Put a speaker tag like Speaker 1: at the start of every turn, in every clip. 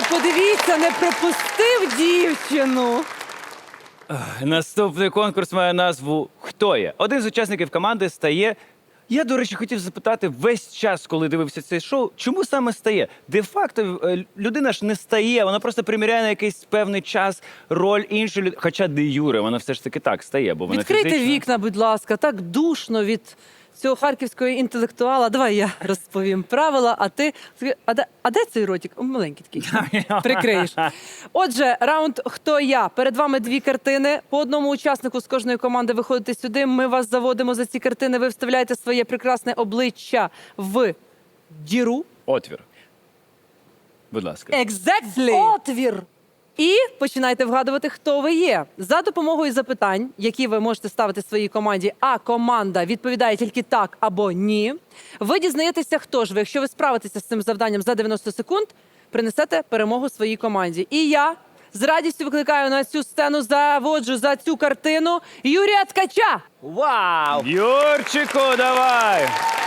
Speaker 1: подивіться, не пропустив дівчину.
Speaker 2: Наступний конкурс має назву «Хто є?». Один з учасників команди стає... Я, до речі, хотів запитати весь час, коли дивився це шоу, чому саме стає? Де-факто людина ж не стає, вона просто приміряє на якийсь певний час роль іншої людини. Хоча де-юре, вона все ж таки так стає, бо вона
Speaker 1: Відкрийте
Speaker 2: фізично...
Speaker 1: вікна, будь ласка, так душно від цього харківського інтелектуала. Давай я розповім правила, а ти... А де цей ротик? Маленький такий. Прикриєш. Отже, раунд «Хто я?». Перед вами дві картини. По одному учаснику з кожної команди виходите сюди. Ми вас заводимо за ці картини. Ви вставляєте своє прекрасне обличчя в діру.
Speaker 2: Отвір. Будь ласка.
Speaker 1: Exactly.
Speaker 3: Отвір.
Speaker 1: І починайте вгадувати, хто ви є. За допомогою запитань, які ви можете ставити своїй команді, а команда відповідає тільки так або ні, ви дізнаєтеся, хто ж ви. Якщо ви справитеся з цим завданням за 90 секунд, принесете перемогу своїй команді. І я з радістю викликаю на цю сцену, заводжу за цю картину Юрія Ткача.
Speaker 4: Вау!
Speaker 2: Юрчику, давай!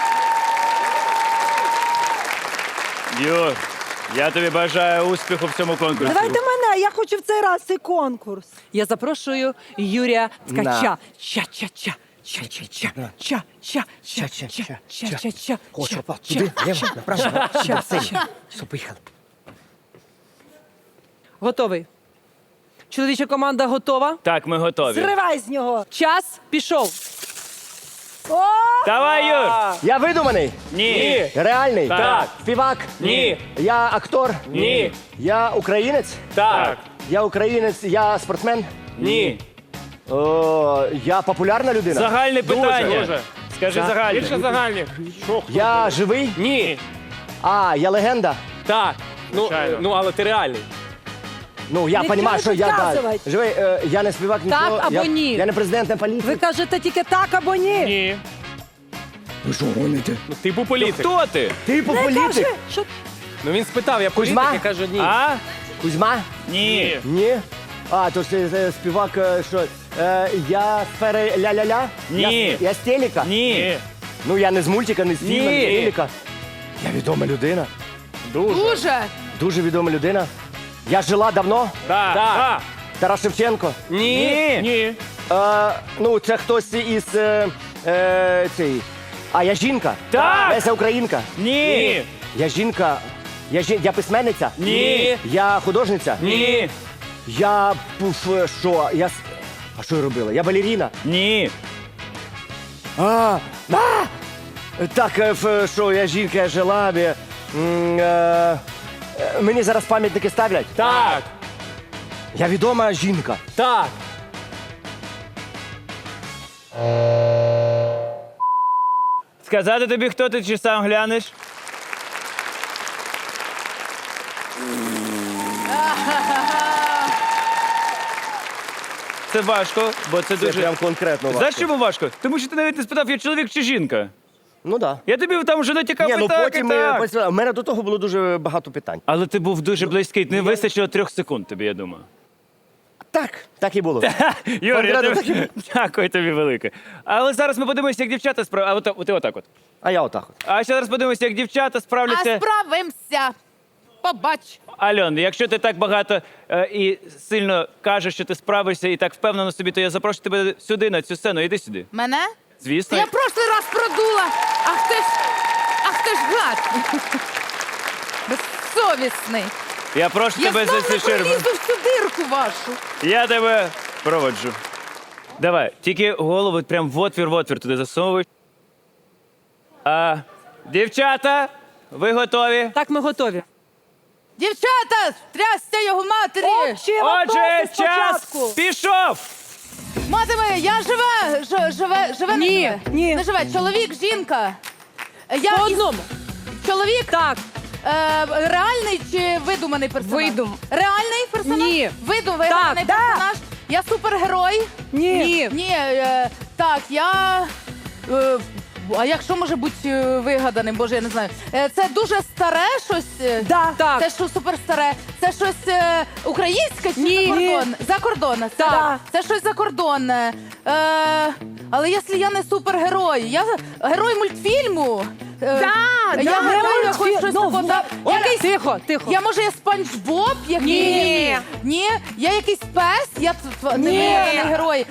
Speaker 2: Юр, я тобі бажаю успіху в цьому конкурсі.
Speaker 3: Давайте мене, я хочу в цей раз цей конкурс.
Speaker 1: Я запрошую Юрія Ткача.
Speaker 4: На.
Speaker 1: Ча-ча-ча. Ча-ча-ча. Ча-ча. Ча-ча-ча. Ча-ча-ча.
Speaker 4: Хочу, опа, туди, ліво, направо. Все, поїхали.
Speaker 1: Готовий. Чоловіча команда готова.
Speaker 2: Так, ми готові.
Speaker 3: Зривай з нього.
Speaker 1: Час пішов.
Speaker 3: О!
Speaker 2: Давай, Юр!
Speaker 4: Я видуманий?
Speaker 2: Ні.
Speaker 4: Реальний?
Speaker 2: Так.
Speaker 4: Співак?
Speaker 2: Ні.
Speaker 4: Я актор?
Speaker 2: Ні.
Speaker 4: Я українець?
Speaker 2: Так.
Speaker 4: Я українець, я спортсмен?
Speaker 2: Ні.
Speaker 4: О, я популярна людина?
Speaker 2: Загальне питання.
Speaker 5: Дуже.
Speaker 2: Скажи загальне.
Speaker 5: Більше загальних.
Speaker 4: Я живий?
Speaker 5: Ні.
Speaker 4: А, я легенда?
Speaker 5: Так.
Speaker 2: Звичайно.
Speaker 5: Ну, але ти реальний.
Speaker 4: Ну, я
Speaker 3: Не
Speaker 4: розумію, що я
Speaker 3: підказувати.
Speaker 4: живий. Я не співак, нічого.
Speaker 1: або
Speaker 4: я,
Speaker 1: ні.
Speaker 4: Я не президент, не політик.
Speaker 3: Ви кажете тільки так або ні.
Speaker 5: Ні.
Speaker 4: Ви що, гоните?
Speaker 5: Ну, типу політик.
Speaker 2: Хто ти?
Speaker 4: Ти політик?
Speaker 3: Кажи, що
Speaker 5: Ну, він спитав, я політик,
Speaker 4: Кузьма?
Speaker 5: я кажу ні.
Speaker 2: А?
Speaker 4: Кузьма?
Speaker 2: Ні.
Speaker 4: Ні. А, то ж співак, що? Я з сфери ля-ля-ля?
Speaker 2: Ні.
Speaker 4: Я з телека?
Speaker 2: Ні.
Speaker 4: Ну, я не з мультика, не з фільму, не з
Speaker 2: Ні.
Speaker 4: телека. Я відома людина.
Speaker 1: Дуже.
Speaker 4: Дуже відома людина. Я жила давно.
Speaker 2: Так. Так.
Speaker 4: Тарас Шевченко.
Speaker 2: Ні.
Speaker 5: Ні.
Speaker 4: Ну, це хтось із цей. А я жінка?
Speaker 2: Так.
Speaker 4: Леся Українка.
Speaker 2: Ні.
Speaker 4: Я жінка. Я письменниця?
Speaker 2: Ні.
Speaker 4: Я художниця?
Speaker 2: Ні.
Speaker 4: Я що? А що я робила? Я балеріна.
Speaker 2: Ні.
Speaker 4: Так, що я жінка, я жила. Мені зараз пам'ятники ставлять?
Speaker 5: Так.
Speaker 4: Я відома жінка.
Speaker 5: Так.
Speaker 2: Сказати тобі, хто ти, чи сам глянеш? Це важко, бо це
Speaker 4: Це
Speaker 2: дуже...
Speaker 4: прям конкретно важко.
Speaker 2: Знаєш, чому важко? Тому що ти навіть не спитав, я чоловік чи жінка.
Speaker 4: Ну так.
Speaker 2: Я тобі там вже натякав
Speaker 4: Ні, ну
Speaker 2: так
Speaker 4: потім
Speaker 2: і так.
Speaker 4: у мене до того було дуже багато питань.
Speaker 2: Але ти був дуже близький, не вистачило 3 секунд тобі, я думаю.
Speaker 4: Так і було.
Speaker 2: Юр, я
Speaker 4: Конкретно
Speaker 2: тобі... Дякую тобі велике. Але зараз ми подивимося, як дівчата справляться. А ти отак от.
Speaker 4: А я отак от.
Speaker 2: А зараз подивимося, як дівчата справляться.
Speaker 6: Справимося. Побач.
Speaker 2: Альон, якщо ти так багато і сильно кажеш, що ти справишся і так впевнено собі, то я запрошу тебе сюди, на цю сцену. Іди сюди.
Speaker 6: Мене?
Speaker 2: Звісно.
Speaker 6: Я прошлий раз продула. Ах ти ж гад. Безсовісний.
Speaker 2: Я прошу
Speaker 6: Я
Speaker 2: тебе
Speaker 6: знов
Speaker 2: за
Speaker 6: не
Speaker 2: ці ширми.
Speaker 6: пролізу в цю дирку вашу.
Speaker 2: Я тебе проводжу. Давай, тільки голову прям в отвір туди засовуй. Дівчата, ви готові?
Speaker 1: Так, ми готові.
Speaker 6: Дівчата, трясся його матері.
Speaker 2: Отже, час пішов!
Speaker 6: Мати моя, я живе,
Speaker 1: Ні,
Speaker 6: не живе.
Speaker 1: ні.
Speaker 6: Не живе. Чоловік, жінка. Я
Speaker 1: По
Speaker 6: із-
Speaker 1: одному.
Speaker 6: Чоловік?
Speaker 1: Так.
Speaker 6: Реальний чи видуманий персонаж? Реальний персонаж?
Speaker 1: Ні.
Speaker 6: Видуманий
Speaker 1: Так.
Speaker 6: персонаж? Я супергерой?
Speaker 1: Ні.
Speaker 6: Ні, так, я... А якщо може бути вигаданим, боже, я не знаю. Це дуже старе щось?
Speaker 1: Так.
Speaker 6: Це що суперстаре? Це щось українське чи
Speaker 1: Ні.
Speaker 6: закордонне? Закордонне.
Speaker 1: Так.
Speaker 6: Це щось закордонне. Але якщо я не супергерой, я герой мультфільму, Я гадаю, я хочу щось таке. Якийсь...
Speaker 1: Тихо, тихо.
Speaker 6: Я, може, я Спанч Боб?
Speaker 1: Ні.
Speaker 6: Ні? Я якийсь пес? Я не герой.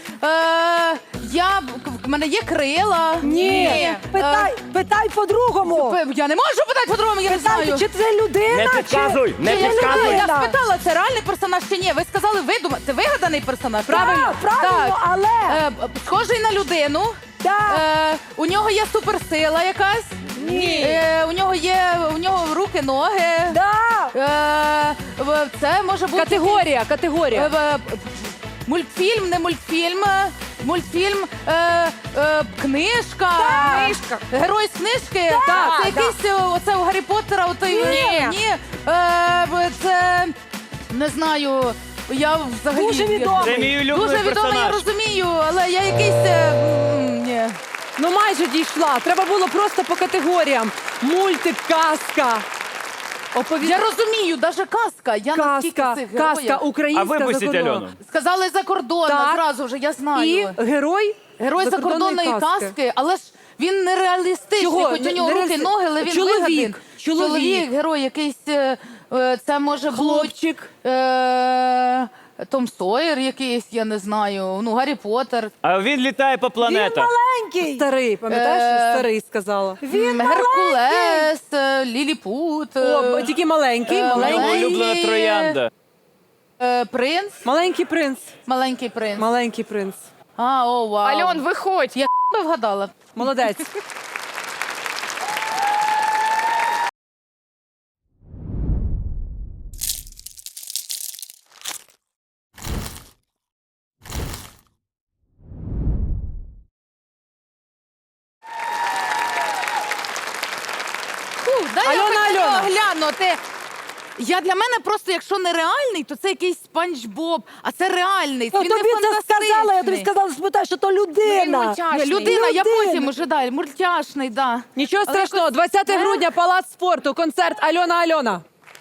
Speaker 6: В мене є крила?
Speaker 3: Ні. Питай по-другому.
Speaker 6: Я не можу питати по-другому, я не
Speaker 3: Питай,
Speaker 6: знаю.
Speaker 3: чи це людина,
Speaker 4: Не підказуй, не
Speaker 6: Чи
Speaker 4: підказуй.
Speaker 6: людина? Я
Speaker 3: людина?
Speaker 6: спитала, це реальний персонаж чи ні? Ви сказали, це вигаданий персонаж?
Speaker 3: Так, правильно, але...
Speaker 6: Схожий на людину.
Speaker 3: Так.
Speaker 6: У нього є суперсила якась.
Speaker 3: Ні.
Speaker 6: У нього руки, ноги.
Speaker 3: Да.
Speaker 6: Це може бути
Speaker 1: Категорія.
Speaker 6: мультфільм, не мультфільм. Мультфільм, книжка.
Speaker 3: Книжка.
Speaker 6: Герой з книжки.
Speaker 3: Так,
Speaker 6: Це якийсь оце у Гаррі Поттера. Ні. Це не знаю. Я взагалі
Speaker 3: Дуже відомий.
Speaker 2: Це мій улюблений
Speaker 6: Дуже відомий, я
Speaker 2: персонаж.
Speaker 6: розумію, але я якийсь ні.
Speaker 1: Ну майже дійшла. Треба було просто по категоріям. Мультик, казка.
Speaker 6: Я розумію, навіть казка. Я наскільки
Speaker 1: Казка,
Speaker 6: цих
Speaker 1: казка
Speaker 6: героїв.
Speaker 2: А
Speaker 1: українська
Speaker 2: випустіть
Speaker 1: закордонна.
Speaker 2: Альону.
Speaker 6: Сказали закордонна,
Speaker 1: Так.
Speaker 6: зразу вже, я знаю.
Speaker 1: І герой
Speaker 6: Герой закордонної казки, але ж він нереалістичний,
Speaker 1: Чого?
Speaker 6: хоч у нього руки,
Speaker 1: Нереалісти-
Speaker 6: ноги, але він
Speaker 1: Чоловік.
Speaker 6: вигаданий.
Speaker 1: Чоловік.
Speaker 6: Герой якийсь, це може бути
Speaker 1: Хлопчик.
Speaker 6: Том Сойер якийсь, я не знаю, ну, Гаррі Поттер.
Speaker 2: А він літає по
Speaker 3: Він
Speaker 2: планетах.
Speaker 3: маленький.
Speaker 1: Старий, пам'ятаєш, що старий сказала?
Speaker 3: Він
Speaker 6: Геркулес, Ліліпут,
Speaker 1: О, тільки маленький,
Speaker 2: Моя
Speaker 1: маленький.
Speaker 2: улюблена троянда.
Speaker 6: принц,
Speaker 1: Маленький принц.
Speaker 6: маленький принц.
Speaker 1: Маленький принц.
Speaker 6: О, вау.
Speaker 7: Альон, виходь.
Speaker 6: Я би вгадала.
Speaker 1: Молодець.
Speaker 6: Дай
Speaker 1: Альона,
Speaker 6: я
Speaker 1: Альона.
Speaker 6: хочу глянути. Для мене просто, якщо не реальний, то це якийсь Спанч Боб, а це реальний.
Speaker 3: Ну,
Speaker 6: Він не
Speaker 3: тобі це
Speaker 6: фантастичний.
Speaker 3: сказала, я тобі сказала, спитай, що то людина.
Speaker 7: мультяшний.
Speaker 6: Людина, я
Speaker 3: Людина.
Speaker 6: потім уже далі. Мультяшний, да.
Speaker 1: Нічого
Speaker 6: Але
Speaker 1: страшного.
Speaker 6: якось-
Speaker 1: 20 грудня, Палац спорту, концерт Альона.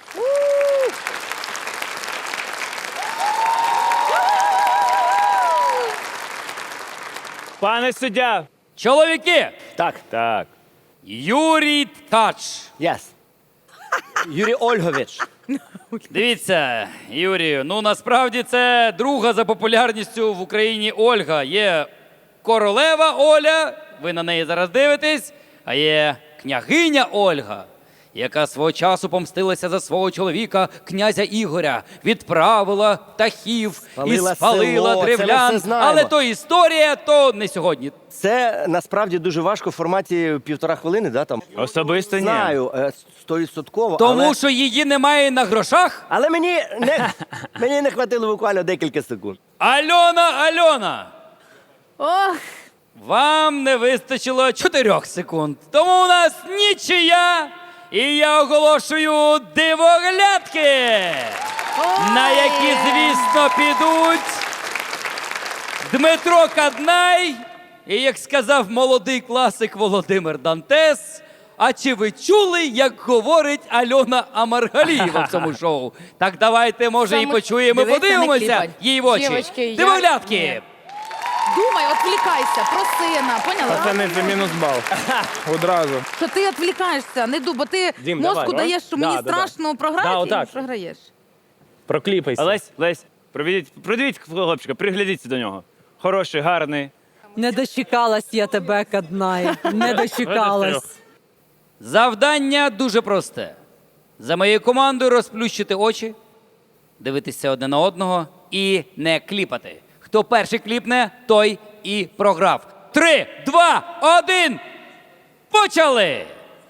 Speaker 2: Пане суддя.
Speaker 8: Чоловіки!
Speaker 2: Так.
Speaker 8: Юрій Ткач.
Speaker 4: Yes. Юрій Ольгович.
Speaker 8: Дивіться, Юрію, ну насправді це друга за популярністю в Україні Ольга. Є королева Оля, ви на неї зараз дивитесь, а є княгиня Ольга, яка свого часу помстилася за свого чоловіка, князя Ігоря, відправила птахів
Speaker 4: Спалила
Speaker 8: і спалила
Speaker 4: село, це ми
Speaker 8: древлян.
Speaker 4: все знаємо.
Speaker 8: Але то історія, то не сьогодні.
Speaker 4: Це насправді дуже важко в форматі 1,5 хвилини, да, там?
Speaker 2: Особисто ні.
Speaker 4: Знаю, 100%.
Speaker 8: Тому
Speaker 4: але...
Speaker 8: що її немає на грошах.
Speaker 4: Але мені не хватило буквально декілька секунд.
Speaker 8: Альона!
Speaker 6: Ох,
Speaker 8: Вам не вистачило 4 секунд. Тому у нас нічия. І я оголошую дивоглядки, на які, звісно, підуть Дмитро Каднай і, як сказав молодий класик Володимир Дантес, а чи ви чули, як говорить Альона Амаргалієва в цьому шоу? Так давайте, може, і
Speaker 6: Саме-
Speaker 8: почуємо,
Speaker 6: Дивися, не
Speaker 8: подивимося
Speaker 6: кліпай.
Speaker 8: їй в очі.
Speaker 7: Дівочки, я-
Speaker 8: Дивоглядки!
Speaker 7: Ні.
Speaker 6: думай, відвлікайся, про сина, поняла?
Speaker 5: Пацани, це мінус бал. Одразу.
Speaker 6: Що ти відвлікаєшся, не бо ти
Speaker 5: Дім,
Speaker 6: мозку
Speaker 5: давай,
Speaker 6: даєш, що
Speaker 5: да,
Speaker 6: мені
Speaker 5: да,
Speaker 6: страшно програти,
Speaker 5: Да,
Speaker 6: і
Speaker 5: отак.
Speaker 6: програєш.
Speaker 5: Прокліпайся.
Speaker 2: Лесь, продивіть хлопчика, приглядіться до нього. Хороший, гарний.
Speaker 1: Не дочекалась я тебе, Каднай. Не дочекалась.
Speaker 8: Завдання дуже просте. За моєю командою розплющити очі, дивитися одне на одного і не кліпати. Хто перший кліпне, той і програв. 3, 2, 1, почали!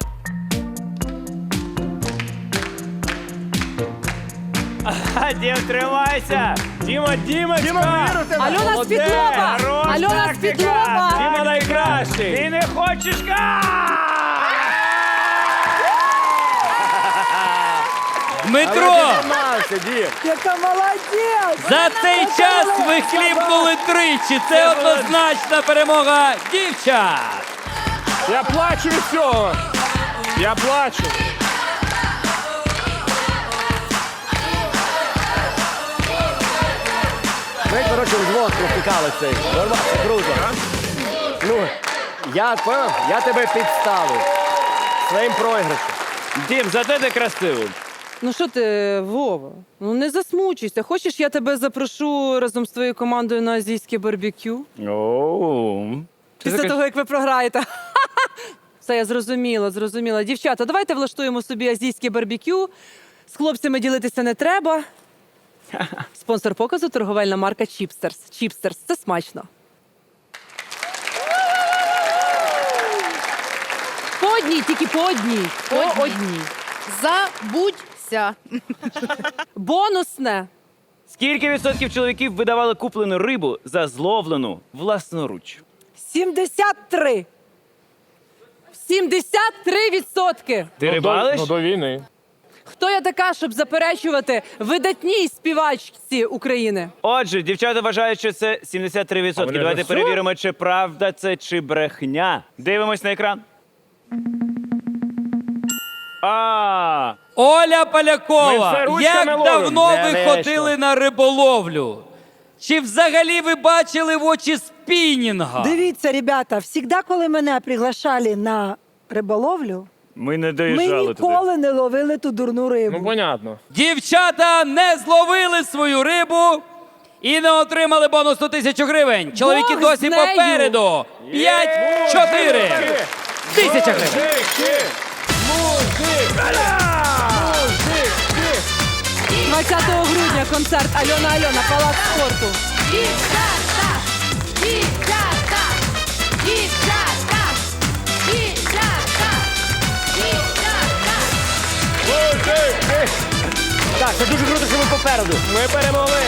Speaker 2: Дім, тримайся! Дімочка!
Speaker 1: Альона
Speaker 2: Молодець!
Speaker 1: Світлова!
Speaker 2: Хорош,
Speaker 1: Альона
Speaker 2: тактика!
Speaker 1: Світлова!
Speaker 2: Діма найкращий! Ти не хочеш
Speaker 8: Дмитро,
Speaker 4: Тримався, Дім.
Speaker 3: Яка молодець!
Speaker 8: за цей час ви кліпнули тричі. Це однозначна перемога дівчат.
Speaker 5: Я плачу від цього. Я плачу.
Speaker 4: Ми, коротше, взвод провтикали цей. Нормально, круто. Ну, я тебе підставив. своїм програшем.
Speaker 2: Дім, зате ти красивий.
Speaker 1: Ну що ти, Вова? Ну не засмучуйся. Хочеш, я тебе запрошу разом з твоєю командою на азійське барбекю?
Speaker 2: Оу.
Speaker 1: Після того, як ви програєте. Все, я зрозуміла. Дівчата, давайте влаштуємо собі азійське барбекю. З хлопцями ділитися не треба. Спонсор показу – торговельна марка Чіпстерс. Чіпстерс – це смачно. По одній, тільки по одній. По одній.
Speaker 6: Забудься.
Speaker 1: Бонусне.
Speaker 2: Скільки відсотків чоловіків видавали куплену рибу за зловлену власноруч?
Speaker 3: 73.
Speaker 1: 73%.
Speaker 2: Ти рибалиш?
Speaker 5: Ну, до війни.
Speaker 1: Хто я така, щоб заперечувати видатній співачці України?
Speaker 2: Отже, дівчата вважають, що це 73%.
Speaker 5: А вони
Speaker 2: Давайте
Speaker 5: вже
Speaker 2: перевіримо, чи правда це, чи брехня. Дивимось на екран. А,
Speaker 8: Оля
Speaker 5: Ми
Speaker 8: Полякова,
Speaker 5: все ручками
Speaker 8: як
Speaker 5: ловимо.
Speaker 8: давно
Speaker 4: Не
Speaker 8: ви
Speaker 4: вийшло.
Speaker 8: ходили на риболовлю? Чи взагалі ви бачили в очі спінінга?
Speaker 3: Дивіться, ребята, завжди, коли мене приглашали на риболовлю,
Speaker 2: ми не
Speaker 3: ми
Speaker 2: доїжджали туди.
Speaker 3: ніколи не ловили ту дурну рибу.
Speaker 5: Ну, понятно.
Speaker 8: Дівчата не зловили свою рибу і не отримали бонус 100 000 гривень. Чоловіки
Speaker 1: Бог
Speaker 8: досі
Speaker 1: з нею.
Speaker 8: попереду. 5-4. 1000 гривень.
Speaker 1: 20 грудня концерт Альона, Палац спорту.
Speaker 6: Дівчата! Дівчата! Дівчата! Дівчата! Дівчата!
Speaker 4: Так, це дуже круто, що ми попереду.
Speaker 5: Ми перемогли.